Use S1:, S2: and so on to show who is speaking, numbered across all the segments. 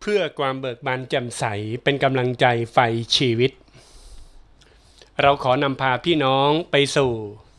S1: เพื่อความเบิกบานแจ่มใสเป็นกำลังใจไฟชีวิตเราขอนำพาพี่น้องไปสู่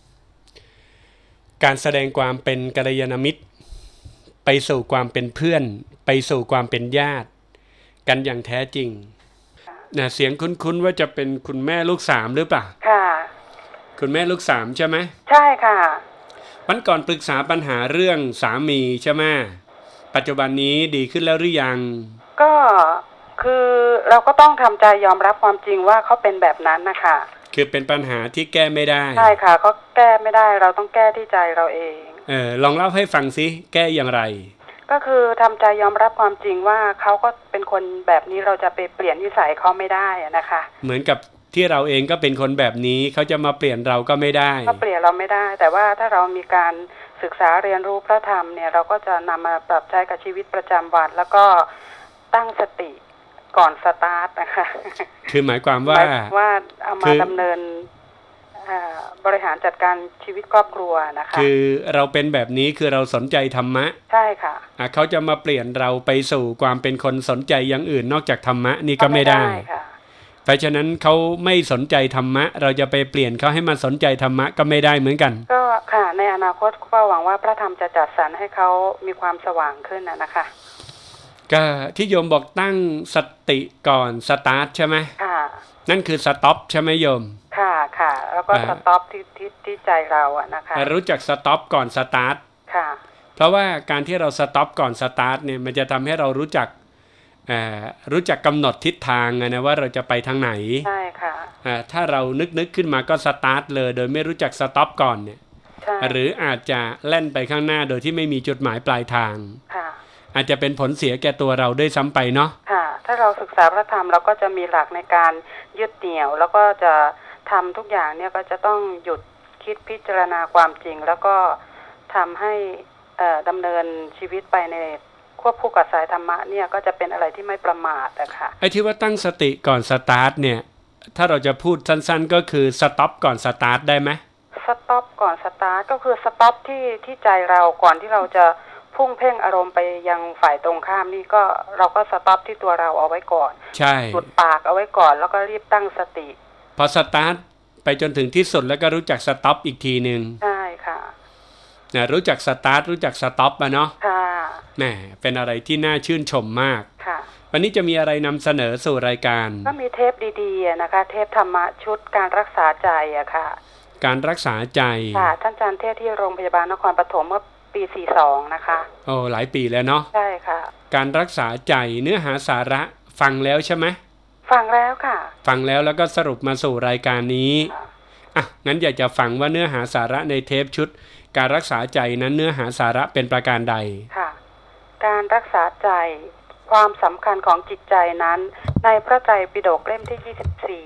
S1: การแสดงความเป็นกัลยาณมิตรไปสู่ความเป็นเพื่อนไปสู่ความเป็นญาติกันอย่างแท้จริงนะเสียงคุ้นๆว่าจะเป็นคุณแม่ลูกสามหรือเปล่า
S2: ค่ะ
S1: คุณแม่ลูกสามใช่ไหม
S2: ใช่ค่ะ
S1: วันก่อนปรึกษาปัญหาเรื่องสามีใช่ไหมปัจจุบันนี้ดีขึ้นแล้วหรือยัง
S2: ก็คือเราก็ต้องทำใจยอมรับความจริงว่าเขาเป็นแบบนั้นนะคะ
S1: คือเป็นปัญหาที่แก้ไม่ได้
S2: ใช่ค่ะเขาแก้ไม่ได้เราต้องแก้ที่ใจเราเอง
S1: ลองเล่าให้ฟังสิแก้อย่างไร
S2: ก็คือทำใจยอมรับความจริงว่าเขาก็เป็นคนแบบนี้เราจะไปเปลี่ยนนิสัยเขาไม่ได้นะคะ
S1: เหมือนกับที่เราเองก็เป็นคนแบบนี้เขาจะมาเปลี่ยนเราก็ไม่ได้
S2: ก็เปลี่ยนเราไม่ได้แต่ว่าถ้าเรามีการศึกษาเรียนรู้พระธรรมเนี่ยเราก็จะนำมาปรับใช้กับชีวิตประจำวันแล้วก็ตั้งสติก่อนสตาร์ทนะคะ
S1: คือหมายความว่า
S2: เอามาดำเนินบริหารจัดการชีวิตครอบครัวนะคะ
S1: คือเราเป็นแบบนี้คือเราสนใจธรรมะ
S2: ใช่ค่ะ
S1: เขาจะมาเปลี่ยนเราไปสู่ความเป็นคนสนใจอย่างอื่นนอกจากธรรมะนี่ก็ไม่ได้
S2: ค่ะ
S1: เพราะฉะนั้นเขาไม่สนใจธรรมะเราจะไปเปลี่ยนเขาให้มาสนใจธรรมะก็ไม่ได้เหมือนกัน
S2: ก็ค่ะในอนาคตก็หวังว่าพระธรรมจะจัดสรรให้เขามีความสว่างขึ้นนะคะ
S1: ก็ที่โยมบอกตั้งสติก่อนสตาร์ทใช่ไหม
S2: ค่ะ
S1: นั่นคือสต็อปใช่ไหมโยม
S2: ค่ะค่ะแล้วก็สต็อปที่ใจเรานะคะ
S1: รู้จักสต็อปก่อนสตาร์ท
S2: ค่ะ
S1: เพราะว่าการที่เราสต็อปก่อนสตาร์ทเนี่ยมันจะทำให้เรารู้จักกำหนดทิศทางนะว่าเราจะไปทางไหน
S2: ใช่ค่ะ
S1: ถ้าเรานึกขึ้นมาก็สตาร์ทเลยโดยไม่รู้จักสต็อปก่อนเนี่ยหรืออาจจะแล่นไปข้างหน้าโดยที่ไม่มีจุดหมายปลายทางอาจจะเป็นผลเสียแก่ตัวเราด้วยซ้ำไปเนาะ
S2: ค่ะถ้าเราศึกษาพระธรรมเราก็จะมีหลักในการยึดเหนี่ยวแล้วก็จะทำทุกอย่างเนี่ยก็จะต้องหยุดคิดพิจารณาความจริงแล้วก็ทำให้ดำเนินชีวิตไปในควบคู่กับสายธรรมะเนี่ยก็จะเป็นอะไรที่ไม่ประมาทนะคะ
S1: ไอ้ที่ว่าตั้งสติก่อนสตาร์ทเนี่ยถ้าเราจะพูดสั้นๆก็คือสต็อปก่อนสตาร์ทได้ไหม
S2: สต็อปก่อนสตาร์ทก็คือสต็อปที่ใจเราก่อนที่เราจะพุ่งเพ่งอารมณ์ไปยังฝ่ายตรงข้ามนี่ก็เราก็สต็อปที่ตัวเราเอาไว้ก่อน
S1: ใช่
S2: หยุดปากเอาไว้ก่อนแล้วก็รีบตั้งสติ
S1: พอสตาร์ทไปจนถึงที่สุดแล้วก็รู้จักสต็อปอีกทีนึง
S2: ใช่ค่ะ
S1: รู้จักสตาร์ทรู้จักสต็อปเนาะ
S2: ค่ะ
S1: แหมเป็นอะไรที่น่าชื่นชมมาก
S2: ค่ะ
S1: วันนี้จะมีอะไรนำเสนอสู่รายการ
S2: ก็มีเทปดีๆนะคะเทปธรรมะชุดการรักษาใจค่ะ
S1: การรักษาใจ
S2: ค่ะท่านอาจารย์เทศที่โรงพยาบาลนครปฐมเมื่อปี42นะคะ
S1: โอ้หลายปีแล้วเนาะ
S2: ใช่ค่ะ
S1: การรักษาใจเนื้อหาสาระฟังแล้วใช่ไหม
S2: ฟังแล้วค่ะ
S1: ฟังแล้วก็สรุปมาสู่รายการนี้งั้นอยากจะฟังว่าเนื้อหาสาระในเทปชุดการรักษาใจนั้นเนื้อหาสาระเป็นประการใด
S2: ค่ะการรักษาใจความสำคัญของจิตใจนั้นในพระไตรปิฎกเล่มที่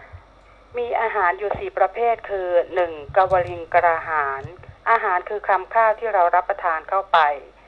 S2: 24มีอาหารอยู่4ประเภทคือ1กวลิงกระหารอาหารคือคำข้าวที่เรารับประทานเข้าไป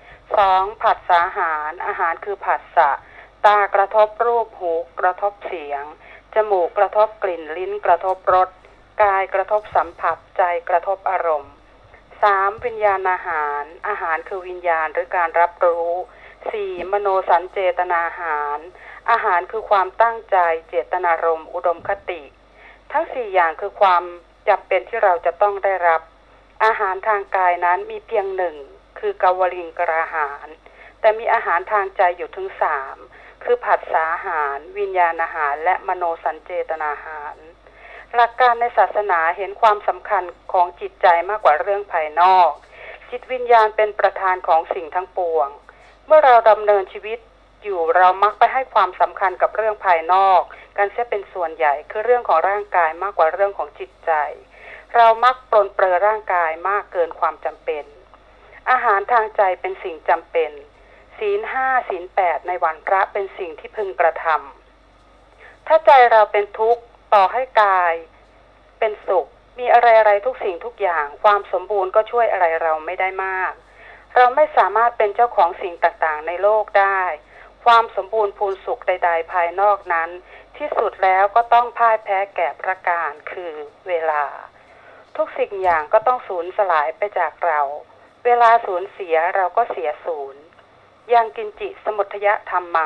S2: 2ผัสสะอาหารอาหารคือผัสสะตากระทบรูปหูกระทบเสียงจมูกกระทบกลิ่นลิ้นกระทบรสกายกระทบสัมผัสใจกระทบอารมณ์3วิญญาณอาหารอาหารคือวิญญาณหรือการรับรู้4มโนสัญเจตนาอาหารอาหารคือความตั้งใจเจตนารมณ์อุดมคติทั้ง4อย่างคือความจำเป็นที่เราจะต้องได้รับอาหารทางกายนั้นมีเพียง1คือกวลิงกระหารแต่มีอาหารทางใจอยู่ถึง3คือผัสสะอาหารวิญญาณอาหารและมโนสัญเจตนาอาหารหลักการในศาสนาเห็นความสำคัญของจิตใจมากกว่าเรื่องภายนอกจิตวิญญาณเป็นประธานของสิ่งทั้งปวงเมื่อเราดำเนินชีวิตอยู่เรามักไปให้ความสำคัญกับเรื่องภายนอกกันเสียเป็นส่วนใหญ่คือเรื่องของร่างกายมากกว่าเรื่องของจิตใจเรามักปรนเปรอร่างกายมากเกินความจำเป็นอาหารทางใจเป็นสิ่งจำเป็นศีล5ศีล8ในวันพระเป็นสิ่งที่พึงกระทำถ้าใจเราเป็นทุกข์ต่อให้กายเป็นสุขมีอะไรทุกสิ่งทุกอย่างความสมบูรณ์ก็ช่วยอะไรเราไม่ได้มากเราไม่สามารถเป็นเจ้าของสิ่งต่างๆในโลกได้ความสมบูรณ์พูนสุขใดๆภายนอกนั้นที่สุดแล้วก็ต้องพ่ายแพ้แก่ประการคือเวลาทุกสิ่งอย่างก็ต้องสูญสลายไปจากเราเวลาสูญเสียเราก็เสียสูญยังกินจิสมุทยธรรมัง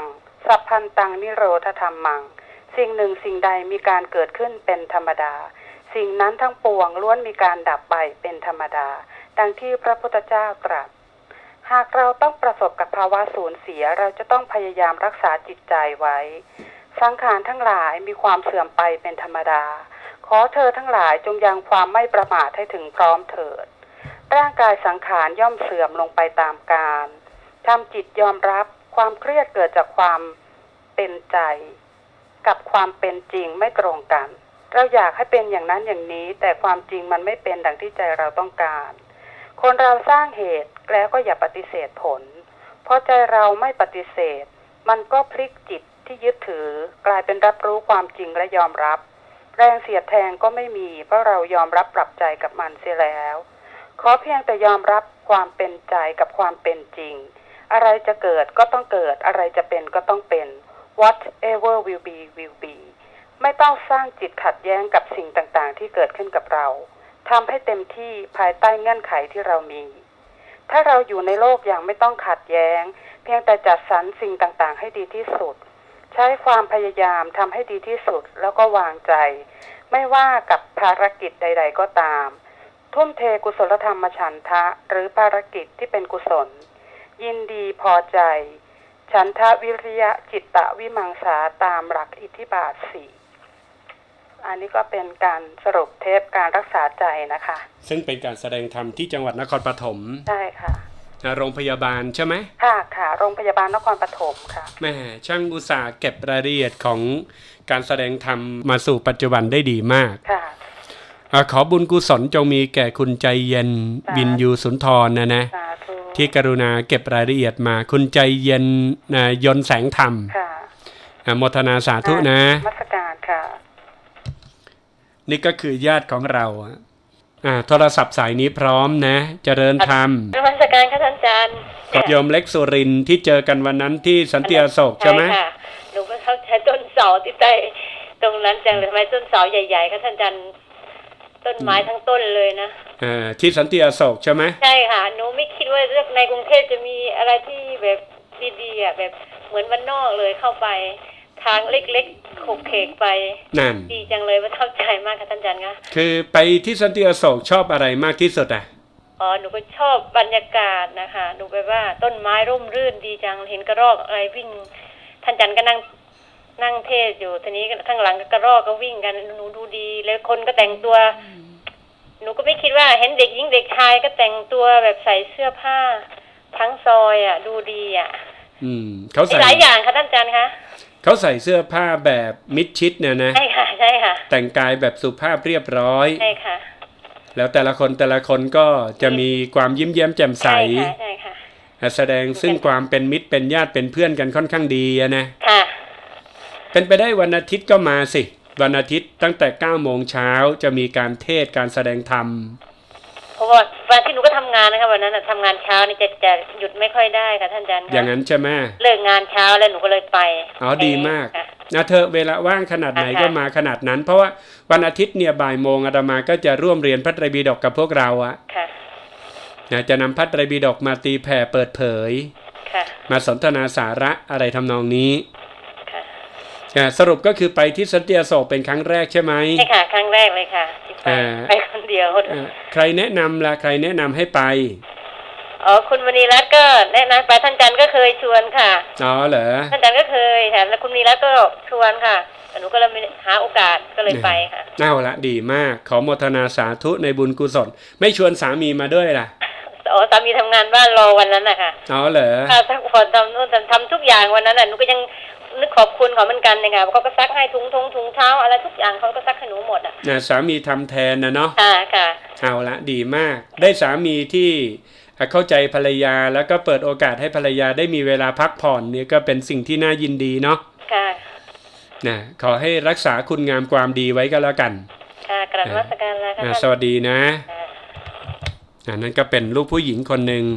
S2: สัพพันตังนิโรธธรรมังสิ่งหนึ่งสิ่งใดมีการเกิดขึ้นเป็นธรรมดาสิ่งนั้นทั้งปวงล้วนมีการดับไปเป็นธรรมดาดังที่พระพุทธเจ้าตรัสหากเราต้องประสบกับภาวะสูญเสียเราจะต้องพยายามรักษาจิตใจไว้สังขารทั้งหลายมีความเสื่อมไปเป็นธรรมดาขอเธอทั้งหลายจงยังความไม่ประมาทให้ถึงพร้อมเถิดร่างกายสังขารย่อมเสื่อมลงไปตามกาลทำจิตยอมรับความเครียดเกิดจากความเป็นใจกับความเป็นจริงไม่ตรงกันเราอยากให้เป็นอย่างนั้นอย่างนี้แต่ความจริงมันไม่เป็นดังที่ใจเราต้องการคนเราสร้างเหตุแล้วก็อย่าปฏิเสธผลเพราะใจเราไม่ปฏิเสธมันก็พลิกจิตที่ยึดถือกลายเป็นรับรู้ความจริงและยอมรับแรงเสียดแทงก็ไม่มีเพราะเรายอมรับปรับใจกับมันเสียแล้วขอเพียงแต่ยอมรับความเป็นใจกับความเป็นจริงอะไรจะเกิดก็ต้องเกิดอะไรจะเป็นก็ต้องเป็น whatever will be will be ไม่ต้องสร้างจิตขัดแย้งกับสิ่งต่างๆที่เกิดขึ้นกับเราทำให้เต็มที่ภายใต้เงื่อนไขที่เรามีถ้าเราอยู่ในโลกอย่างไม่ต้องขัดแย้งเพียงแต่จัดสรรสิ่งต่างๆให้ดีที่สุดใช้ความพยายามทำให้ดีที่สุดแล้วก็วางใจไม่ว่ากับภารกิจใดๆก็ตามทุ่มเทกุศลธรรมฉันทะหรือภารกิจที่เป็นกุศลยินดีพอใจฉันทะวิริยะจิตตะวิมังสาตามหลักอิทธิบาท 4อันนี้ก็เป็นการสรุปเทปการรักษาใจนะคะ
S1: ซึ่งเป็นการแสดงธรรมที่จังหวัดนครปฐม
S2: ใช่ค่ะ
S1: โรงพยาบาลใช่ไหม
S2: ค่ะโรงพยาบาลนครปฐมค่ะ
S1: แม่ช่างอุตสาห์เก็บรายละเอียดของการแสดงธรรมมาสู่ปัจจุบันได้ดีมาก
S2: ค่ะ
S1: ขอบุญกุศลจงมีแก่คุณใจเย็นวินยูสุนทรนะที่กรุณาเก็บรายละเอียดมาคุณใจเย็นยนต์แสงธรรมโมทนาสาธุนะ
S2: มัสการค่ะ
S1: นี่ก็คือญาติของเราโทรศัพท์สายนี้พร้อมนะเจริญธรรม
S3: นมัสการค่ะท่านอาจารย์
S1: โยมเล็กสุรินทร์ที่เจอกันวันนั้นที่สันติอโศกใช่ไหม
S3: ใช่ค่ะหนูก็เข้าใจต้นเสาที่ใต้ตรงนั้นจังเลยทำไมต้นเสาใหญ่ๆค่ะท่านอาจารย์ต้นไม้ทั้งต้นเลยนะ
S1: ที่สันติอโศกใช่ไหม
S3: ใช่ค่ะหนูไม่คิดว่าในกรุงเทพจะมีอะไรที่แบบดีๆแบบเหมือนวันนอกเลยเข้าไปทางเล็กๆขบเขกไป
S1: นั่น
S3: ดีจังเลยประทับใจมากค่ะท่านอาจารย์คะ
S1: คือไปที่สันติอโศกชอบอะไรมากที่สุด
S3: หนูก็ชอบบรรยากาศนะคะหนูไปว่าต้นไม้ร่มรื่นดีจังเห็นกระรอกอะไรวิ่งท่านอาจารย์ก็นั่งเทศอยู่ทีนี้ข้างหลังกระรอกก็วิ่งกันหนูดูดีแล้วคนก็แต่งตัวหนูก็ไม่คิดว่าเห็นเด็กหญิงเด็กชายก็แต่งตัวแบบใส่เสื้อผ้าทั้งซอยดูดี
S1: เขาใส่
S3: หลายอย่างค่ะท่านอาจารย์คะ
S1: เขาใส่เสื้อผ้าแบบมิดชิดเนี่ยนะ
S3: ใช่ค่ะใช่ค่ะ
S1: แต่งกายแบบสุภาพเรียบร้อย
S3: ใช่ค่ะ
S1: แล้วแต่ละคนก็จะมีความยิ้มแย้มแจ่มใส
S3: ใช่ค่ะ
S1: แสดงซึ่งความเป็นมิตรเป็นญาติเป็นเพื่อนกันค่อนข้างดีนะ
S3: ค่ะ
S1: เป็นไปได้วันอาทิตย์ก็มาสิวันอาทิตย์ตั้งแต่ 9 โมงเช้าจะมีการเทศการแสดงธรรม
S3: เพราะว่าวันที่หนูก็ทำงานนะคะวันนั้นทำงานเช้านี่จะหยุดไม่ค่อยได้ค่ะท่านอาจารย์
S1: อย่างนั้นใช่ไหม
S3: เลิกงานเช้าแล้วหนูก็เลยไป
S1: ดีมากนะเธอเวลาว่างขนาดไหนก็มาขนาดนั้นเพราะว่าวันอาทิตย์เนี่ยบ่ายโมงอาตมาก็จะร่วมเรียนพระไตรปิฎกกับพวกเราจะนำพระไตรปิฎกมาตีแผ่เปิดเผยมาสนทนาสาระอะไรทำนองนี้สรุปก็คือไปที่สันติอโศกเป็นครั้งแรกใช่ไหม
S3: ใช่ค่ะครั้งแรกเลยค่ะไปคนเดียว
S1: ใครแนะนำล่ะใครแนะนำให้ไป
S3: คุณมณีรัตน์ก็แนะนำไปท่านจันก็เคยชวนค่ะ
S1: เหรอ
S3: ท่านจันก็เคยค่ะแล้วคุณมณีรัตน์ก็ชวนค่ะแต่หนูก็เลยหาโอกาสก็เลยไปค่ะ
S1: เอาละดีมากขอโมทนาสาธุในบุญกุศลไม่ชวนสามีมาด้วยล่ะ
S3: สามีทำงานบ้านรอวันนั้นนะคะ
S1: เหรอ
S3: ซักผ่อนทำทุกอย่างวันนั้นหนูก็ยังนึกขอบคุณเขาเหมือนกันนะคะเขาก็ซักให้ถุงเท้าอะไรทุกอย่างเขาก็ซักให้หนูหมด
S1: สามีทำแทนนะเนาะ
S3: ค่ะ
S1: เอาละดีมากได้สามีที่เข้าใจภรรยาแล้วก็เปิดโอกาสให้ภรรยาได้มีเวลาพักผ่อนเนี่ยก็เป็นสิ่งที่น่ายินดีเนาะ
S3: ค่ะ
S1: ขอให้รักษาคุณงามความดีไว้ก็แล้วกัน
S3: ค่ะกราบนมัสการแล้วค่ะ
S1: สวัสดีนะนั่นก็เป็นลูกผู้หญิงคนหนึ่ง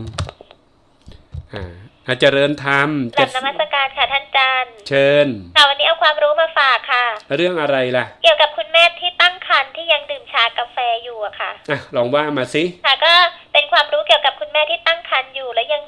S1: เจริญธรรม
S3: กราบนมัสการค่ะท่านอาจารย์
S1: เชิญ
S3: วันนี้เอาความรู้มาฝากค่ะ
S1: เรื่องอะไรล่ะ
S3: เกี่ยวกับคุณแม่ที่ตั้งครรภ์ที่ยังดื่มชากาแฟอยู่อะค่ะ
S1: ลองว่ามาสิ
S3: ค่ะก็เป็นความรู้เกี่ยวกับคุณแม่ที่ตั้งครรภ์อยู่และยังดื่มช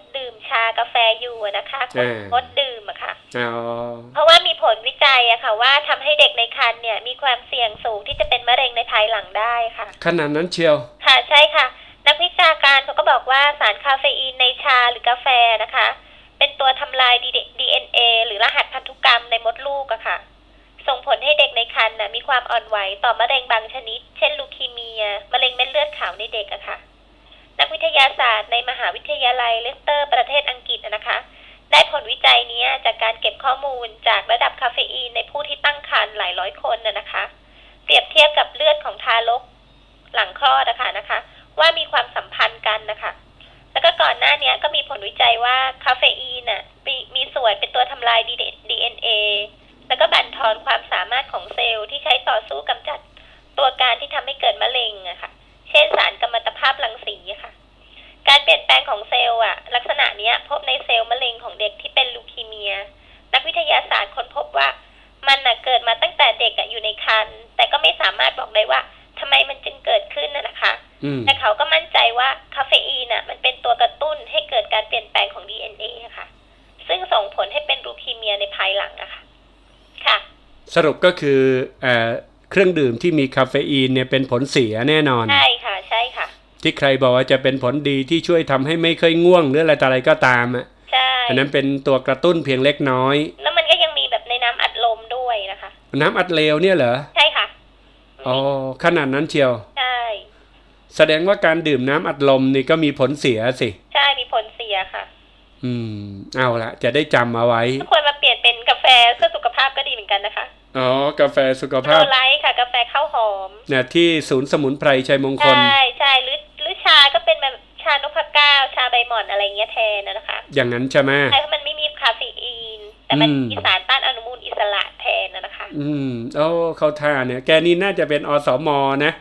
S4: ชากาแฟอยู่นะคะงดดื่มอะค่ะ
S1: อ๋อ
S4: เพราะว่ามีผลวิจัยอะค่ะว่าทำให้เด็กในครรภ์เนี่ยมีความเสี่ยงสูงที่จะเป็นมะเร็งในภายหลังได้ค่ะ
S1: ขนาดนั้นเชียว
S4: ค่ะใช่ค่ะนักวิชาการเขาก็บอกว่าสารคาเฟอีนในชาหรือกาแฟนะคะเป็นตัวทำลาย DNA หรือรหัสพันธุกรรมในมดลูกอะค่ะส่งผลให้เด็กในครรภ์น่ะมีความอ่อนไหวต่อมะเร็งบางชนิดเช่นลูคีเมียมะเร็งเม็ดเลือดขาวในเด็กอะค่ะนักวิทยาศาสตร์ในมหาวิทยาลัยเลสเตอร์ประเทศอังกฤษนะคะได้ผลวิจัยนี้จากการเก็บข้อมูลจากระดับคาเฟอีนในผู้ที่ตั้งครรภ์หลายร้อยคนนะคะเปรียบเทียบกับเลือดของทารกหลังคลอดนะคะว่ามีความสัมพันธ์กันนะคะแล้วก็ก่อนหน้านี้ก็มีผลวิจัยว่าคาเฟอีนมีส่วนเป็นตัวทำลาย DNA แล้วก็บั่นทอนความสามารถของเซลล์ที่ใช้ต่อสู้กำจัดตัวการที่ทำให้เกิดมะเร็งอะค่ะเช่นสารกัมมันตภาพรังสีค่ะการเปลี่ยนแปลงของเซลล์ลักษณะนี้พบในเซลล์มะเร็งของเด็กที่เป็นลูคีเมียนักวิทยาศาสตร์ค้นพบว่ามันเกิดมาตั้งแต่เด็กอยู่ในครรภ์แต่ก็ไม่สามารถบอกได้ว่าทำไมมันจึงเกิดขึ้นนะคะแต่เขาก็มั่นใจว่าคาเฟอีนมันเป็นตัวกระตุ้นให้เกิดการเปลี่ยนแปลงของ DNA ค่ะซึ่งส่งผลให้เป็นลูคีเมียในภายหลังอะค่ะ
S1: สรุปก็คือเครื่องดื่มที่มีคาเฟอีนเนี่ยเป็นผลเสียแน่นอน
S4: ใช่ค่ะใช่ค่ะ
S1: ที่ใครบอกว่าจะเป็นผลดีที่ช่วยทำให้ไม่เคยง่วงหรืออะไรต่ออะไรก็ตาม
S4: ใช่
S1: อันนั้นเป็นตัวกระตุ้นเพียงเล็กน้อย
S4: แล้วมันก็ยังมีแบบในน้ำอัดลมด้วยนะคะ
S1: น้ำอัดเลวเนี่ยเหรอ
S4: ใช่ค่ะ
S1: อ๋อขนาดนั้นเชียว
S4: ใช่
S1: แสดงว่าการดื่มน้ำอัดลมนี่ก็มีผลเสียสิ
S4: ใช่มีผลเสียค่ะ
S1: เอาละจะได้จำเอาไว้
S4: ควรมาเปลี่ยนเป็นกาแฟเพื่อสุขภาพก็ดีเหมือนกันนะคะ
S1: อ๋อกาแฟสุขภาพ
S4: โลไลท์ค่ะกาแฟข้าวหอม
S1: เนี่ยที่ศูนย์สมุนไพรชัยมงคล
S4: ใช่หรือชาก็เป็นแบบชานพเก้าชาใบหม่อนอะไรเงี้ยแทนนะคะ
S1: อย่างนั้นใช่ไหม
S4: ใช่เพราะมันไม่มีคาเฟอีนแต่มันมีสารต้านอนุมูลอิสระแทนนะคะ
S1: โอ้เข้าท่าเนี่ยแกนี่น่าจะเป็นอสม.นะ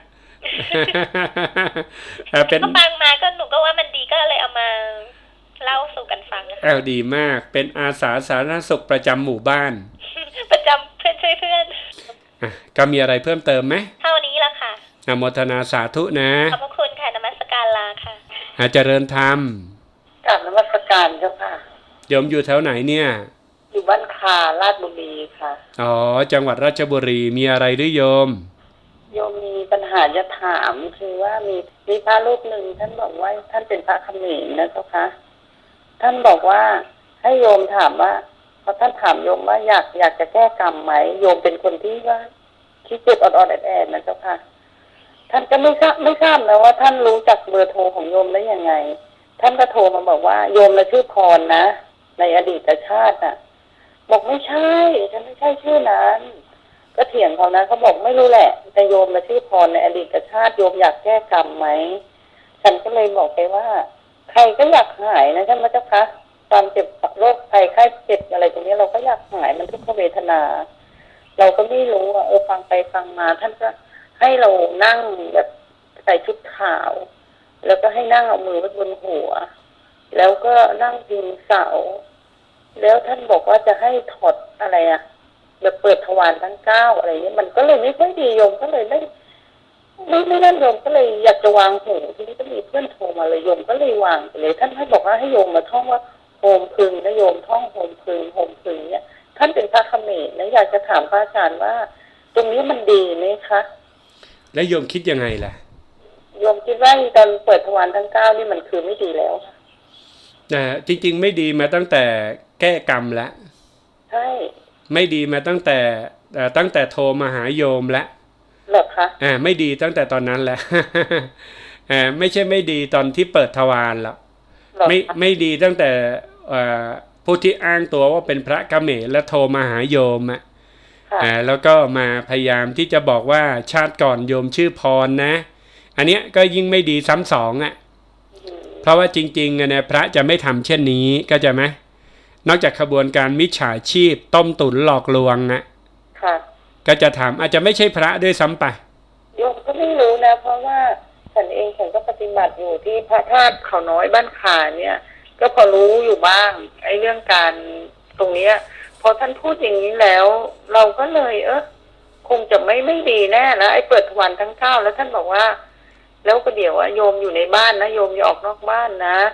S4: เป็นฟังมาก็หนูก็ว่ามันดีก็เลยเอามาเล่าสู่กันฟัง
S1: ดีมากเป็นอาสาสาธารณสุขประจำหมู่บ้าน
S4: ประจำเพื่อนช่วยเพื่อน
S1: ก็มีอะไรเพิ่มเติมไหม
S4: เท่านี้ละค่ะ
S1: อนุโมทนาสาธุนะ
S4: ขอบพระคุณค่ะนมัสการลาค่ะ
S1: เจริญธรรม
S2: กราบนมัสการเจ้าค่ะ
S1: โยมอยู่แถวไหนเนี่ย
S2: อยู่บ้านคาราชบุรีค่ะ
S1: อ๋อจังหวัดราชบุรีมีอะไรหรือโยม
S2: มีปัญหาจะถามคือว่ามีพระรูปหนึ่งท่านบอกว่าท่านเป็นพระเขมรนะเจ้าค่ะท่านบอกว่าให้โยมถามว่าพอท่านถามโยมว่าอยากจะแก้กรรมไหมโยมเป็นคนที่ว่าคิดเจ็บอดๆแอดๆนะเจ้าค่ะท่านก็ไม่ทราบนะว่าท่านรู้จักเบอร์โทรของโยมได้ยังไงท่านก็โทรมาบอกว่าโยมน่ะชื่อพรนะในอดีตชาติน่ะบอกไม่ใช่ฉันไม่ใช่ชื่อนั้นก็เถียงเขานะเขาบอกไม่รู้แหละแต่โยมมาชื่อพรในอดีตชาติโยมอยากแก้กรรมไหมฉันก็เลยบอกไปว่าใครก็อยากหายนะท่านพระเจ้าคะความเจ็บโรคภัยไข้เจ็บอะไรตรงนี้เราก็อยากหายมันทุกขเวทนาเราก็ไม่รู้ฟังไปฟังมาท่านก็ให้เรานั่งแบบใส่ชุดขาวแล้วก็ให้นั่งเอามือไว้บนหัวแล้วก็นั่งพิงเสาแล้วท่านบอกว่าจะให้ถอดอะไรแบบเปิดทวารทั้ง9อะไรนี้มันก็เลยไม่ค่อยดีโยมก็เลยไม่นั่นโยมก็เลยอยากจะวางหูทีนี้ก็มีเพื่อนโทรมาเลยโยมก็เลยวางไปเลยท่านให้บอกว่าให้โยมมาท่องว่าโฮมพึงนะโยมท่องโฮมพึงเนี่ยท่านเป็นพระเขมรนะอยากจะถามพระอาจารย์ว่าตรงนี้มันดีไหมคะ
S1: แล้วโยมคิดยังไงล่ะ
S2: โยมคิดว่าตอนเปิดทวารทั้ง9นี่มันคือไม่ดีแล้วค่ะ
S1: จริงๆไม่ดีมาตั้งแต่แก้กรรมแล้ว
S2: ใช่
S1: ไม่ดีมาตั้งแต่โทรมาหาโยมแล้ว
S2: เหรอคะ
S1: ไม่ดีตั้งแต่ตอนนั้นแหละไม่ใช่ไม่ดีตอนที่เปิดทวารหรอกไม่ดีตั้งแต่ผู้ที่อ้างตัวว่าเป็นพระเขมรและโทรมาหาโยมแล้วก็มาพยายามที่จะบอกว่าชาติก่อนโยมชื่อพรนะอันเนี้ยก็ยิ่งไม่ดีซ้ำสองเพราะว่าจริงๆเนี่ยพระจะไม่ทำเช่นนี้ก็จะไหมนอกจากขบวนการมิจฉาชีพต้มตุ๋นหลอกลวงก็จะถามอาจจะไม่ใช่พระด้วยซ้ำไป
S2: โยมก็ไม่รู้นะเพราะว่าฉันเองฉันก็ปฏิบัติอยู่ที่พระธาตุเขาน้อยบ้านขาเนี่ยก็พอรู้อยู่บ้างไอ้เรื่องการตรงเนี้ยพอท่านพูดอย่างนี้แล้วเราก็เลยคงจะไม่ดีแน่แล้วไอ้เปิดทวารทั้ง9แล้วท่านบอกว่าแล้วก็เดี๋ยวโยมอยู่ในบ้านนะโยมอย่าออกนอกบ้านนะ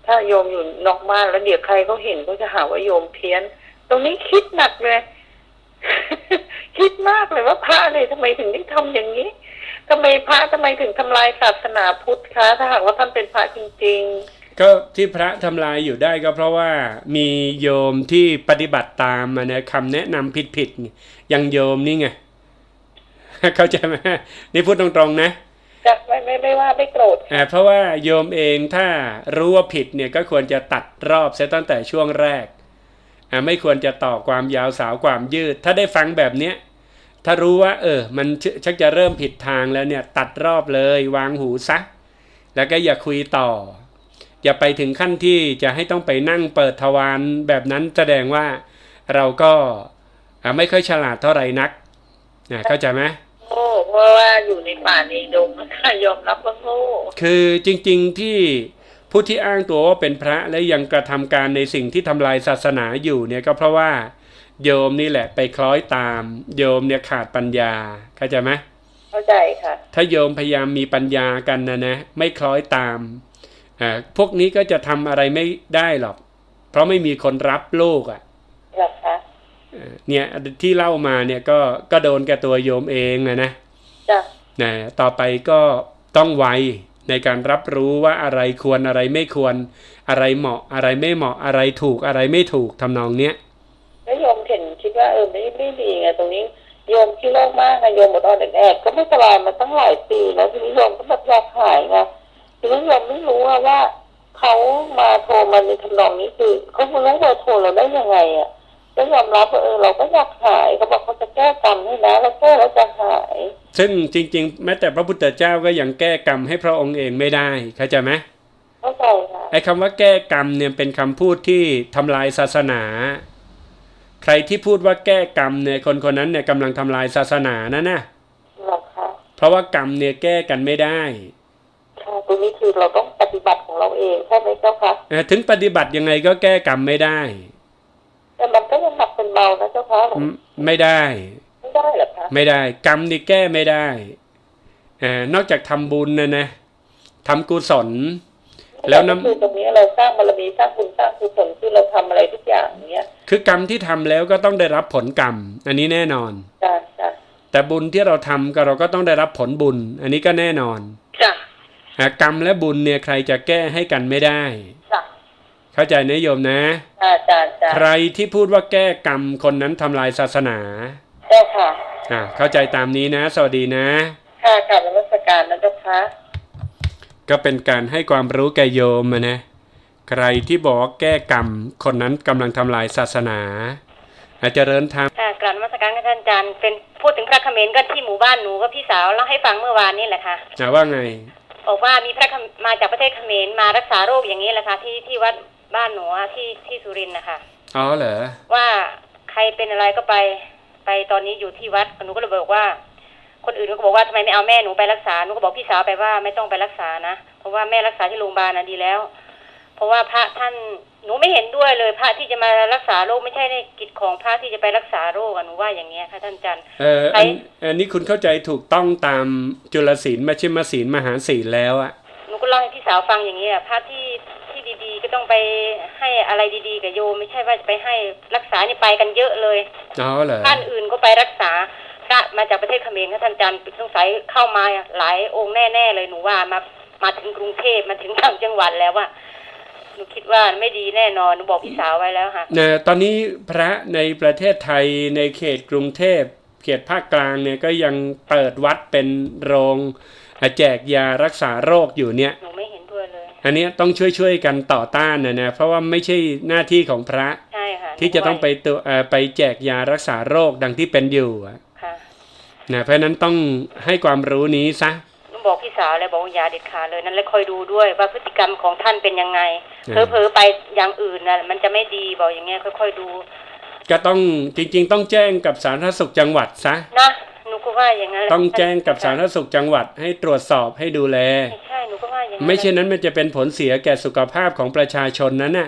S5: ถ้าโยมอยู่นอกบ้านแล้วเดี๋ยวใครเขาเห็นเขาจะหาว่าโยมเพี้ยน ตรงนี้คิดหนักเลย คิดมากเลยว่าพระเนี่ยทำไมถึงได้ทำอย่างนี้ทำไมถึงทำลายศาสนาพุทธคะถ้าหากว่าท่านเป็นพระจริงๆ
S1: ก็ที่พระทำลายอยู่ได้ก็เพราะว่ามีโยมที่ปฏิบัติตามมาเนี่ยคำแนะนำผิดๆอย่างโยมนี่ไง เข้าใจไหมนี่พูดตรงๆนะ
S5: จะไม่ว่าไม่โกรธ
S1: เพราะว่าโยมเองถ้ารู้ว่าผิดเนี่ยก็ควรจะตัดรอบเสียตั้งแต่ช่วงแรกไม่ควรจะต่อความยาวสาวความยืดถ้าได้ฟังแบบเนี้ยถ้ารู้ว่ามันชักจะเริ่มผิดทางแล้วเนี่ยตัดรอบเลยวางหูซะแล้วก็อย่าคุยต่ออย่าไปถึงขั้นที่จะให้ต้องไปนั่งเปิดทวารแบบนั้นแสดงว่าเราก็ไม่ค่อยฉลาดเท่าไหร่นักเข้าใจไหม
S5: เพราะว่าอยู่ในป่าในดงนะคะยอมรับว่าโง่
S1: คือจริงๆที่ผู้ที่อ้างตัวว่าเป็นพระและยังกระทำการในสิ่งที่ทำลายศาสนาอยู่เนี่ยก็เพราะว่าโยมนี่แหละไปคล้อยตามโยมเนี่ยขาดปัญญาเข้าใจไหม
S5: เข้าใจค่ะ
S1: ถ้าโยมพยายามมีปัญญากันนะไม่คล้อยตามพวกนี้ก็จะทำอะไรไม่ได้หรอกเพราะไม่มีคนรับโลก
S5: หรอคะ
S1: เนี่ยที่เล่ามาเนี่ยก็โดนแก่ตัวโยมเองนะ
S5: จ้ะ
S1: ต่อไปก็ต้องไวในการรับรู้ว่าอะไรควรอะไรไม่ควรอะไรเหมาะอะไรไม่เหมาะอะไรถูกอะไรไม่ถูกทำนองเนี้ย
S5: แล้วโยมเห็นคิดว่าไม่ดีไงตรงนี้โยมคิดโลกมากไงโยมหมดออดแอดก็ไม่สบายมาตั้งหลายปีแล้วทีนี้โยมก็แบบอยากหายไงทีนี้โยมไม่รู้ว่าเขามาโทรมาในทำนองนี้คือเขาไม่รู้ว่าโทรเราได้ยังไงอ่ะก็ยอมรับว่าเราก็อยากหายเขาบอกเขาจะแก้กรรมให้นะแล้วแก้แล้วจะหาย
S1: ซึ่งจริงๆแม้แต่พระพุทธเจ้าก็ยังแก้กรรมให้พระองค์เองไม่ได้เข้าใจไหม
S5: เข้าใจค่ะ
S1: ไอ้คำว่าแก้กรรมเนี่ยเป็นคำพูดที่ทำลายศาสนาใครที่พูดว่าแก้กรรมเนี่ยคนนั้นเนี่ยกำลังทำลายศาสนานะ
S5: หรอคะ
S1: เพราะว่ากรรมเนี่ยแก้กันไม่ได้
S5: ค่ะตรงนี้คือเราต้องปฏิบัติของเราเองใช่ไหมเจ้าคะ
S1: ถึงปฏิบัติยังไงก็แก้กรรมไม่ได้
S5: แต่มันก็ยังหนักเป็นเบานะเจ้าคะ
S1: ไม่ได้
S5: เหรอคะ
S1: ไม่ได้กรรมนี่แก้ไม่ได้นอกจากทำบุญนะทำกุศล
S5: แล้วคือตรงนี้เราสร้างบารมีสร้างบุญสร้างกุศลคือเราทำอะไรทุกอย่างเนี้ย
S1: คือกรรมที่ทำแล้วก็ต้องได้รับผลกรรมอันนี้แน่นอน
S5: จ้ะ
S1: แต่บุญที่เราทำก็เราก็ต้องได้รับผลบุญอันนี้ก็แน่นอน
S5: จ้ะ
S1: กรรมและบุญเนี่ยใครจะแก้ให้กันไม่ได้
S5: จ้ะ
S1: เข้าใจนะโยมนะ
S5: จ้ะ
S1: ใครที่พูดว่าแก้กรรมคนนั้นทำลายศาสนา
S5: ใช่ค่ะ
S1: เข้าใจตามนี้นะสวัสดีนะ
S5: ค่ะกราบนมัสการนะเจ้าค่ะ
S1: ก็เป็นการให้ความรู้แก่โยมนะใครที่บอกแก้กรรมคนนั้นกำลังทำลายศาสนาเจริญธรรม
S3: กราบนมัสการท่านอาจารย์เป็นพูดถึงพระเขมรก็ที่หมู่บ้านหนูก็พี่สาวเล่าให้ฟังเมื่อวานนี่แหละค่ะ
S1: ว่าไง
S3: บอกว่ามีพระมาจากประเทศเขมรมารักษาโรคอย่างนี้แหละค่ะที่วัดบ้านหนูที่สุรินทร์นะคะ
S1: อ๋อเหรอ
S3: ว่าใครเป็นอะไรก็ไปตอนนี้อยู่ที่วัดหนูก็เลยบอกว่าคนอื่นก็บอกว่าทำไมไม่เอาแม่หนูไปรักษาหนูก็บอกพี่สาวไปว่าไม่ต้องไปรักษานะเพราะว่าแม่รักษาที่โรงพยาบาลนะดีแล้วเพราะว่าพระท่านหนูไม่เห็นด้วยเลยพระที่จะมารักษาโรคไม่ใช่ในกิจของพระที่จะไปรักษาโรคหนูว่าอย่างเงี้ยค่ะท่านอาจารย์
S1: อันนี้คุณเข้าใจถูกต้องตามจุลศีลมัชฌิมศีลมหาศีลแล้วอะ
S3: หนูก็เล่าให้พี่สาวฟังอย่างเงี้ยพระที่ดีๆก็ต้องไปให้อะไรดีๆกับโยมไม่ใช่ว่าจะไปให้รักษานี่ไปกันเยอะเลย
S1: อ๋อเหรอ
S3: ท่านอื่นก็ไปรักษาพระมาจากประเทศเขมรค่ะท่านอาจารย์สงสัยเข้ามาหลายองค์แน่ๆเลยหนูว่ามาถึงกรุงเทพมาถึงต่างจังหวัดแล้วว่าหนูคิดว่าไม่ดีแน่นอนหนูบอกพี่สาวไว้แล้วค่ะ
S1: ตอนนี้พระในประเทศไทยในเขตกรุงเทพเขตภาคกลางเนี่ยก็ยังเปิดวัดเป็นโรงแจกยารักษาโรคอยู่เนี่ย
S3: หนูไม่เห็นด้วยเลย
S1: อันนี้ต้องช่วยกันต่อต้านนะเพราะว่าไม่ใช่หน้าที่ของพระ
S3: ใช่ค่ะ
S1: ที่จะต้องไปแจกยารักษาโรคดังที่เป็นอยู่
S3: ค่ะ
S1: เพราะนั้นต้องให้ความรู้นี้ซะ
S3: บอกพี่สาวเลยบอกอย่าเด็ดขาดเลยนั้นเลยคอยดูด้วยว่าพฤติกรรมของท่านเป็นยังไงเผลอๆไปอย่างอื่นนะมันจะไม่ดีบอกอย่างเงี้ยค่อยๆดู
S1: ก็ต้องจริงๆต้องแจ้งกับสาธารณสุขจังหวัดซะ
S3: นะหนูก็ว่าอย่างนั้น
S1: ต้องแจ้งกับสาธารณสุขจังหวัดให้ตรวจสอบให้ดูแล
S3: ใช่หนูก็ว่าอย่างนั้น
S1: ไม่เช่นนั้นมันจะเป็นผลเสียแก่สุขภาพของประชาชนนั้นน่ะ
S3: หนูไม่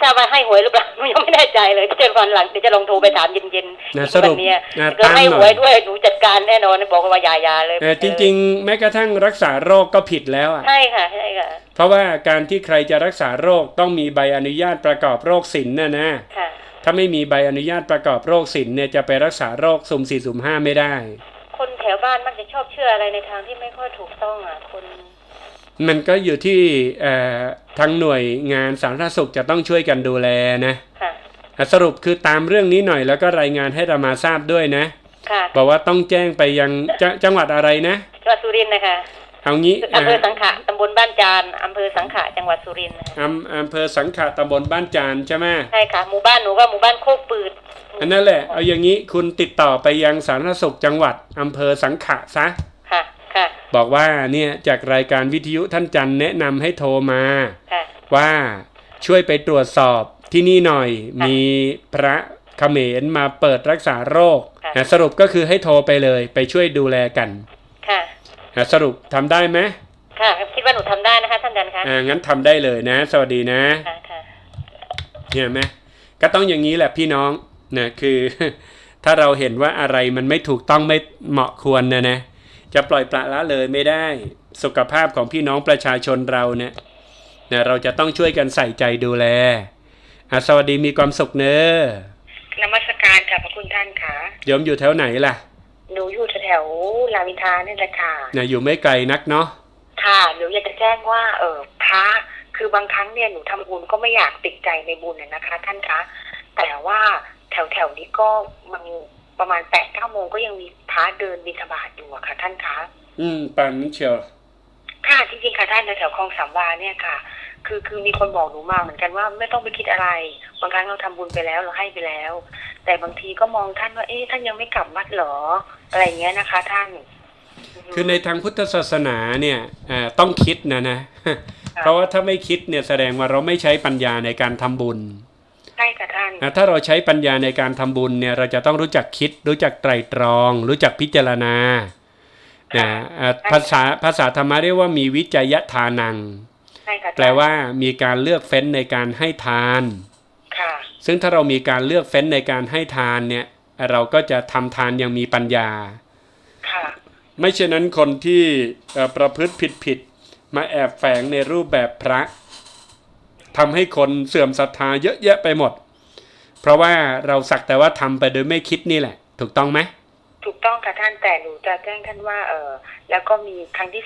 S3: ทราบว่าให้หวยหรือเปล่าหนูยังไม่แน่ใจเลยเดี๋ยววันหลังเดี๋ยวจะลองโทรไปถามเย็นๆ
S1: นะสรุป
S3: วันเนี้ย
S1: นะ
S3: เกิด
S1: ตาม
S3: ให้
S1: ห
S3: ห
S1: น่
S3: ว
S1: อย ย
S3: ด้วยหนูจัดการแน่นอนบอกว่าอย่าเลย
S1: จริงๆแม้กระทั่งรักษาโรคก็ผิดแล้วอ่ะ
S3: ใช่ค่ะใช่ค่ะ
S1: เพราะว่าการที่ใครจะรักษาโรคต้องมีใบอนุญาตประกอบโรคศิลป์นะ
S3: ค่ะ
S1: ถ้าไม่มีใบอนุญาตประกอบโรคศิลป์เนี่ยจะไปรักษาโรคสุ่ม4สุ่ม5ไม่ได้
S3: คนแถวบ้านมักจะชอบเชื่ออะไรในทางที่ไม่ค่อยถูกต้องอ่ะคน
S1: มันก็อยู่ที่ทางหน่วยงานสาธารณสุขจะต้องช่วยกันดูแลนะ
S3: ค่ะ
S1: สรุปคือตามเรื่องนี้หน่อยแล้วก็รายงานให้เรามาทราบด้วยนะ
S3: ค่ะ
S1: บอกว่าต้องแจ้งไปยังจังหวัดอะไรนะ
S3: จังหวัดสุรินทร์นะคะ
S1: เอางี้
S3: อำเภอสังขะตำบลบ้านจานอำเภอสังขะจังหวัดสุรินทร์นะคะ
S1: อำเภอสังขะตำบลบ้านจานใช่ไหม
S3: ใช่ค่ะหมู่บ้านหนูก็หมู่บ้านโคกปืด
S1: อันนั้นแหละเอาอย่างนี้คุณติดต่อไปยังสาธารณสุขจังหวัดอำเภอสังขะซะ
S3: ค่ะค่ะ
S1: บอกว่าเนี่ยจากรายการวิทยุท่านจันแนะนำให้โทรมา
S3: ค่ะ
S1: ว่าช่วยไปตรวจสอบที่นี่หน่อย
S3: ค่ะ
S1: มีพระเขมรมาเปิดรักษาโรค
S3: ค่ะ
S1: สรุปก็คือให้โทรไปเลยไปช่วยดูแลกัน
S3: ค่ะ
S1: สรุปทำได้ไหม
S3: ค่ะคิดว่าหนูทำได้นะคะท่านอาจารย์คะ
S1: งั้นทำได้เลยนะ สวัสดีนะ
S3: ค่ะค่ะ
S1: เห็นไหมก็ต้องอย่างนี้แหละพี่น้องนะคือ ถ้าเราเห็นว่าอะไรมันไม่ถูกต้องไม่เหมาะควรนะจะปล่อยปละละเลยไม่ได้สุขภาพของพี่น้องประชาชนเราเนี่ยนะเราจะต้องช่วยกันใส่ใจดูแลสวัสดีมีความสุขเนอะ
S6: นมัสการค่ะพระคุณท่านค่ะ
S1: โยมอยู่แถวไหนล่ะ
S6: หนูอยู่แถวๆรามอินทรานี่แหละค่ะ
S1: นะอยู่ไม่ไกลนักเนาะ
S6: ค่ะหนูอยากจะแจ้งว่าพระคือบางครั้งเนี่ยหนูทำบุญก็ไม่อยากติดใจในบุญนะคะ ท่านคะแต่ว่าแถวๆนี้ก็มันประมาณ8-9 โมงก็ยังมีพระเดินบิณฑบาตอยู่อะค่ะ ท่านคะ
S1: ปันเชียว
S6: ค่ะจริงๆค่ะท่านแถวๆคลองสามวาเนี่ยค่ะ คือมีคนบอกหนูมาเหมือนกันว่าไม่ต้องไปคิดอะไรบางครั้งเราทำบุญไปแล้วเราให้ไปแล้ว แต่บางทีก็มองท่านว่าท่านยังไม่กลับวัดเหรออะไรอย่างเงี้ยนะคะ ท่าน
S1: คือในทางพุทธศาสนาเนี่ยต้องคิดนะ เพราะว่าถ้าไม่คิดเนี่ยแสดงว่าเราไม่ใช้ปัญญาในการทำบุญ
S6: ใช่ค่ะท่าน
S1: ถ้าเราใช้ปัญญาในการทำบุญเนี่ยเราจะต้องรู้จักคิดรู้จักไตร่ตรอง รู้จักพิจารณาภาษาธรรมะเรียกว่ามีวิจัยทานัง
S6: ใช่ค่ะ
S1: แปลว่ามีการเลือกเฟ้นในการให้ทาน
S6: ค่ะ
S1: ซึ่งถ้าเรามีการเลือกเฟ้นในการให้ทานเนี่ยเราก็จะทำทานอย่างมีปัญญา
S6: ค่ะ
S1: ไม่เช่นนั้นคนที่ประพฤติผิดมาแอบแฝงในรูปแบบพระทำให้คนเสื่อมศรัทธาเยอะแยะไปหมด เพราะว่าเราสักแต่ว่าทำไปโดยไม่คิดนี่แหละถูกต้องไหม
S6: ถูกต้องค่ะท่านแต่หนูจะแจ้งท่านว่าแล้วก็มีครั้งที่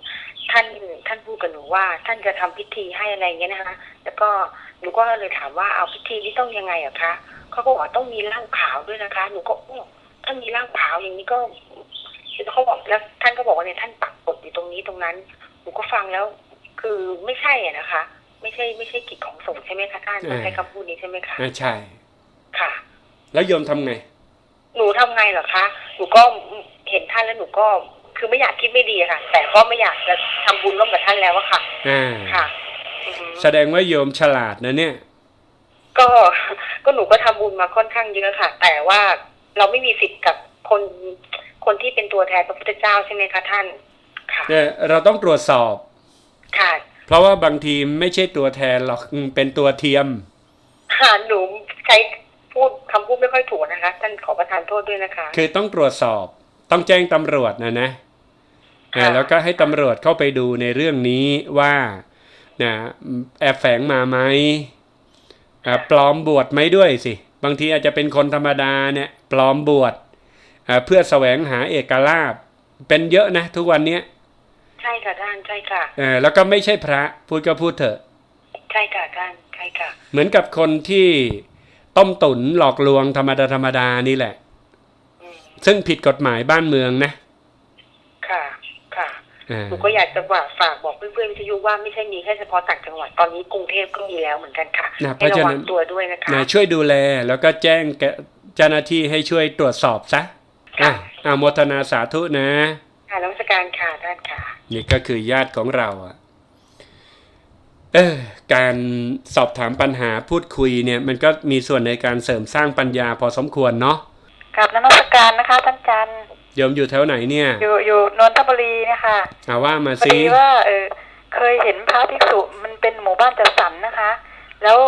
S6: 2ท่านพูดกับหนูว่าท่านจะทำพิธีให้อะไรเงี้ยนะคะแล้วก็หนูก็เลยถามว่าเอาพิธีนี้ต้องยังไงอะคะเขาก็บอกว่าต้องมีเหล้าขาวด้วยนะคะหนูก็ถ้ามีเหล้าขาวอย่างนี้ก็เขาบอกแล้วท่านก็บอกว่าเนี่ยท่านปักกฎอยู่ตรงนี้ตรงนั้นหนูก็ฟังแล้วคือไม่ใช่อะนะคะไม่ใช่กิจของสงฆ์ใช่ไหมคะท่านใช้คำพูดนี้ใช่ไหมคะ
S1: ใช่
S6: ค่ะ
S1: แล้วโยมทำไง
S6: หนูทำไงเหรอคะหนูก็เห็นท่านแล้วหนูก็คือไม่อยากคิดไม่ดีค่ะแต่ก็ไม่อยากจะทำบุญร่วมกับท่านแล้วอะค่ะค่ะ
S1: แสดงว่าโยมฉลาดนะเนี่ย
S6: ก็หนูก็ทำบุญมาค่อนข้างเยอะค่ะ แต่ว่าเราไม่มีสิทธิ์กับคนที่เป็นตัวแทนพระพุทธเจ้าใช่ไหมคะท่านค่ะ
S1: เราต้องตรวจสอบ
S6: ค่ะ
S1: เพราะว่าบางทีไม่ใช่ตัวแทนหรอกเป็นตัวเทียม
S6: ค่ะหนูใช้คำพูดไม่ค่อยถูกนะคะท่านขอประทานโทษด้วยนะคะ
S1: คือต้องตรวจสอบต้องแจ้งตำรวจนะ แล้วก็ให้ตำรวจเข้าไปดูในเรื่องนี้ว่าแอบแฝงมาไหมปลอมบวชไหมด้วยสิบางทีอาจจะเป็นคนธรรมดาเนี่ยปลอมบวชเพื่อแสวงหาเอกลาภเป็นเยอะนะทุกวันนี้
S6: ใช่ค่ะท่านใช่ค่ะ
S1: แล้วก็ไม่ใช่พระพูดก็พูดเถอะ
S6: ใช่ค่ะท่านใช่ค่ะ
S1: เหมือนกับคนที่ต้มตุ๋นหลอกลวงธรรมดานี่แหละซึ่งผิดกฎหมายบ้านเมืองนะ
S6: ค่ะค่ะหนูก็อยากจะฝากบอกเพื่อนๆวิทยุว่าไม่ใช่มีแค่เฉพาะต่างจังหวัดตอนนี้กรุงเทพก็มีแล้วเหมือนกันค่ะให้ระวังตัวด้วยนะคะ
S1: ช่วยดูแลแล้วก็แจ้งเจ้าหน้าที่ให้ช่วยตรวจสอบซะโมทนาสาธุนะ
S6: ค่ะนมัสการค่ะท่านค่ะ
S1: นี่ก็คือญาติของเราการสอบถามปัญหาพูดคุยเนี่ยมันก็มีส่วนในการเสริมสร้างปัญญาพอสมควรเนาะ
S2: กับนมัสการนะคะท่านจันทร์
S1: โยมอยู่แถวไหนเนี่ย
S2: อยู่นนทบุรีนะคะ
S1: ว่ามาสิ
S2: พอดีว่าเคยเห็นพระภิกษุมันเป็นหมู่บ้านจัดสรรนะคะแล้ว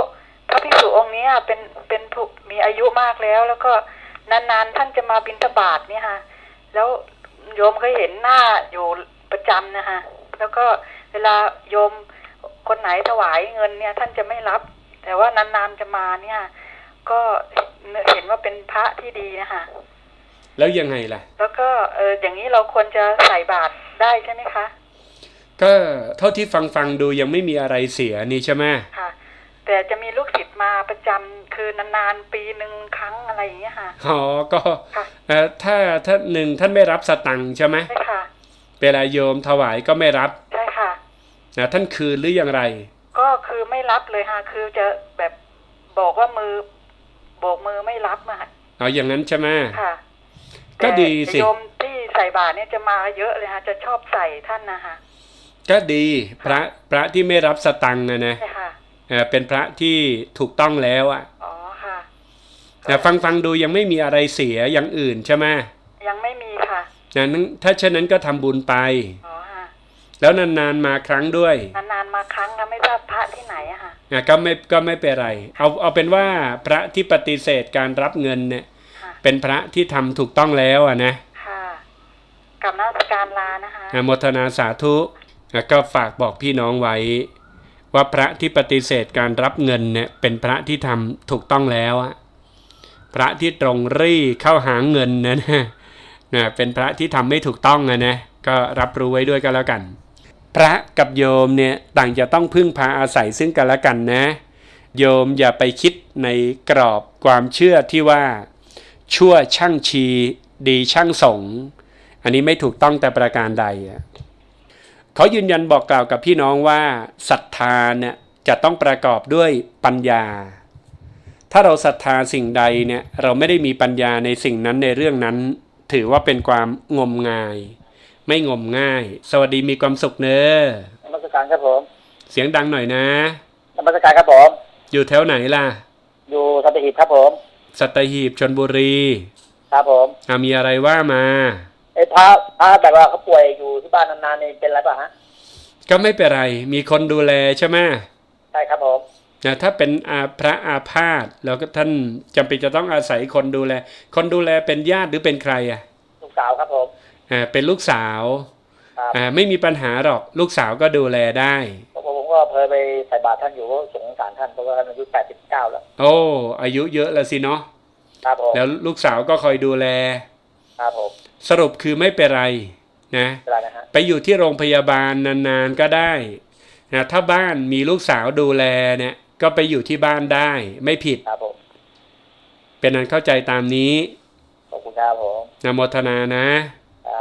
S2: พระภิกษุองค์นี้เป็นผู้มีอายุมากแล้ว แล้วก็นานๆท่านจะมาบิณฑบาตเนี่ยฮะแล้วโยมเคยเห็นหน้าอยู่ประจำนะฮะแล้วก็เวลาโยมคนไหนถวายเงินเนี่ยท่านจะไม่รับ แต่ว่านานๆจะมาเนี่ยก็เห็นว่าเป็นพระที่ดีนะคะ
S1: แล้วยังไงล่ะ
S2: แล้วก็อย่างนี้เราควรจะใส่บาตรได้ใช่ไหมคะ
S1: ก็เท่าที่ฟังดูยังไม่มีอะไรเสียนี่ใช่ไหม
S2: ค่ะแต่จะมีลูกศิษย์มาประจำคือนานๆปีหนึ่งครั้งอะไรอย่างเงี้ยค่ะ
S1: อ๋อก็ถ้าหนึ่งท่านไม่รับสตังค์ใช่ไหม
S2: ใช่ค่ะ
S1: เวลาโยมถวายก็ไม่รับ
S2: ใช่ค่ะ
S1: ท่านคืนหรืออย่างไร
S2: ก็คือไม่รับเลยค่ะคือจะแบบบอกว่าโบกมือไม่รับมา
S1: เอาอย่างนั้นใช่ไหม
S2: ค่ะ
S1: ก็ดีสิ
S2: โยมที่ใส่บาตรเนี่ยจะมาเยอะเลยค่ะจะชอบใส่ท่านนะคะ
S1: ก็ดีพระที่ไม่รับสตังค์นะ
S2: ใช่ค่ะ
S1: เป็นพระที่ถูกต้องแล้วอ่ะ
S2: อ๋อค่ะ
S1: แต่ฟังดูยังไม่มีอะไรเสียอย่างอื่นใช่ไหม
S2: ยังไม่มีค่ะ
S1: นั้นถ้าเช่นนั้นก็ทำบุญไป
S2: อ๋อค่ะ
S1: แล้วนานๆมาครั้งด้วย
S2: นานๆมาครั้งนะไม่ทราบพระที่ไหนอะค่ะ
S1: ก็ไม่เป็นไรเอาเป็นว่าพระที่ปฏิเสธการรับเงินเนี่ยเป็นพระที่ทำถูกต้องแล้วอ่ะนะ
S2: ค่ะกับนมัสการลานะคะ
S1: โมทนาสาธุก็ฝากบอกพี่น้องไว้ว่าพระที่ปฏิเสธการรับเงินเนี่ยเป็นพระที่ทำถูกต้องแล้วอะพระที่ตรงรี่เข้าหาเงินนะเป็นพระที่ทำไม่ถูกต้องนะก็รับรู้ไว้ด้วยก็แล้วกันพระกับโยมเนี่ยต่างจะต้องพึ่งพาอาศัยซึ่งกันและกันนะโยมอย่าไปคิดในกรอบความเชื่อที่ว่าชั่วช่างชีดีช่างสงฆ์อันนี้ไม่ถูกต้องแต่ประการใดเขายืนยันบอกกล่าวกับพี่น้องว่าศรัทธาเนี่ยจะต้องประกอบด้วยปัญญาถ้าเราศรัทธาสิ่งใดเนี่ยเราไม่ได้มีปัญญาในสิ่งนั้นในเรื่องนั้นถือว่าเป็นความงมงายไม่งมง่ายสวัสดีมีความสุขเนอะ
S7: นมัสการครับผม
S1: เสียงดังหน่อยนะ
S7: นมัสการครับผม
S1: อยู่แถวไหนล่ะ
S7: อยู่สัตหีบครับผม
S1: สัตหีบชลบุรี
S7: ครับผม
S1: มีอะไรว่ามา
S7: พระแบบว่าเขาป่วยอยู่ที่บ้านนานๆนี่เป็นไรป่ะฮะ
S1: ก็ไม่เป็นไรมีคนดูแลใช่ไหม
S7: ใช่ครับผม
S1: ถ้าเป็นพระอาพาธแล้วก็ท่านจำเป็นจะต้องอาศัยคนดูแลคนดูแลเป็นญาติหรือเป็นใคร
S7: ลูกสาวครับผม
S1: เป็นลูกสาวไม่มีปัญหาหรอกลูกสาวก็ดูแลได้
S7: ผมก็เคยไปใส่บาตรท่านอยู่ก็สงสารท่านเพราะว่าท่านอายุ89แล้ว
S1: โอ้อายุเยอะแล้วสิเนาะ
S7: ครับผม
S1: แล้วลูกสาวก็คอยดูแล
S7: ครับผม
S1: สรุปคือไม่เป็นไรนะไปอยู่ที่โรงพยาบาลนานๆก็ได้นะถ้าบ้านมีลูกสาวดูแลเนี่ยก็ไปอยู่ที่บ้านได้ไม่ผิด
S7: ครับผม
S1: เป็นนั้นเข้าใจตามนี้
S7: ขอบคุณครับผม
S1: อนุโมทนานะครับ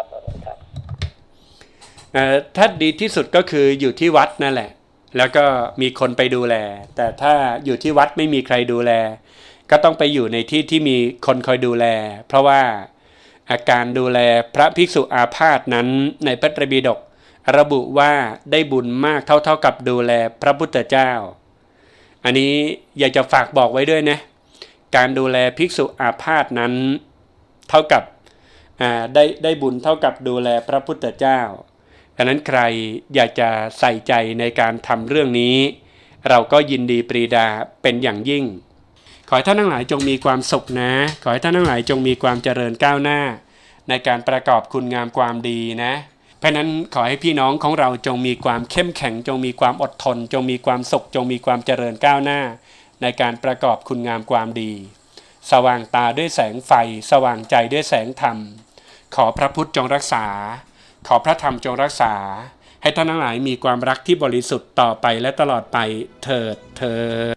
S1: ถ้าดีที่สุดก็คืออยู่ที่วัดนั่นแหละแล้วก็มีคนไปดูแลแต่ถ้าอยู่ที่วัดไม่มีใครดูแลก็ต้องไปอยู่ในที่ที่มีคนคอยดูแลเพราะว่าอาการดูแลพระภิกษุอาพาธนั้นในพระไตรปิฎกระบุว่าได้บุญมากเท่ากับดูแลพระพุทธเจ้าอันนี้อยากจะฝากบอกไว้ด้วยนะการดูแลภิกษุอาพาธนั้นเท่ากับได้บุญเท่ากับดูแลพระพุทธเจ้าดังนั้นใครอยากจะใส่ใจในการทำเรื่องนี้เราก็ยินดีปรีดาเป็นอย่างยิ่งขอให้ท่านทั้งหลายจงมีความสุขนะขอให้ท่านทั้งหลายจงมีความเจริญก้าวหน้าในการประกอบคุณงามความดีนะเพราะนั้นขอให้พี่น้องของเราจงมีความเข้มแข็งจงมีความอดทนจงมีความสุขจงมีความเจริญก้าวหน้าในการประกอบคุณงามความดีสว่างตาด้วยแสงไฟสว่างใจด้วยแสงธรรมขอพระพุทธจงรักษาขอพระธรรมจงรักษาให้ท่านทั้งหลายมีความรักที่บริสุทธิ์ต่อไปและตลอดไปเถิด